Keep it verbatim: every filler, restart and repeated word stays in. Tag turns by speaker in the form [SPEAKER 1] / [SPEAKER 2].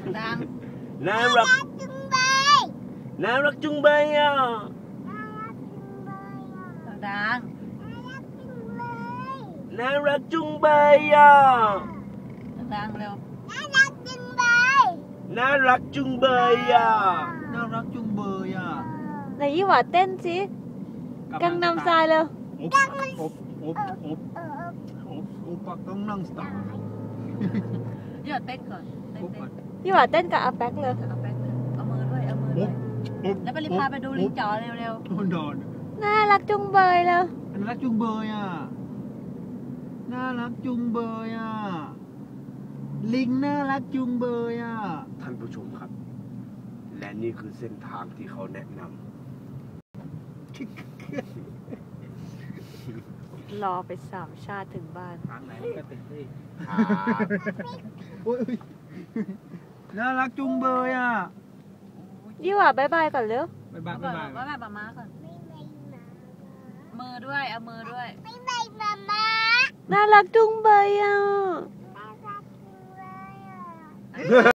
[SPEAKER 1] ดัง
[SPEAKER 2] น่ารักจุงเบยน่ารักจุงเบยอ่ะ
[SPEAKER 1] ดัง
[SPEAKER 2] น่ารักจุงเบยอ่ะ
[SPEAKER 1] ดังเร็ว
[SPEAKER 2] น่ารักจุงเบยอ่ะ
[SPEAKER 3] น่ารักจุงเบยอ่ะ
[SPEAKER 4] ไหนยี่หว่าเต้นสิกังนำทรายเลย
[SPEAKER 3] อบอบอบอบอบอบปักต้องนั่งสตาร์
[SPEAKER 1] หยอดเต้นก่อนเต้น
[SPEAKER 3] อบ
[SPEAKER 1] เต้น
[SPEAKER 4] ยี่หว่าเต้นกับอาแป๊กเลย
[SPEAKER 1] เอาแป๊บนึงเอามือด้วยเอามือด้วยแล้วไปรีบพาไปดูลิงจ๋อเร็ว
[SPEAKER 3] โดนโดน
[SPEAKER 4] น่ารักจุงเบยเลย
[SPEAKER 3] น่ารักจุงเบยอ่ะน่ารักจุงเบยอ่ะลิงน่ารักจุงเบยอ่ะ
[SPEAKER 2] ท่านผู้ชมครับ และนี่คือเส้นทางที่เขาแนะน
[SPEAKER 4] รอไปสามชาติถึงบ้าน
[SPEAKER 3] ทางไหนมันก็ติดที่
[SPEAKER 2] ำครับ
[SPEAKER 3] โอ้ยน่ารักจุงเบยอ่ะ
[SPEAKER 4] ยี่หว่าบายบายก่อนเร็ว
[SPEAKER 3] บ๊าย
[SPEAKER 1] ๆ
[SPEAKER 3] บาย
[SPEAKER 1] ก่อน
[SPEAKER 3] บ๊ายบาย
[SPEAKER 1] ว่าแบบมาก่อนมือด้วยเอามือด้วย
[SPEAKER 4] น่ารักจุงเบยอ่ะ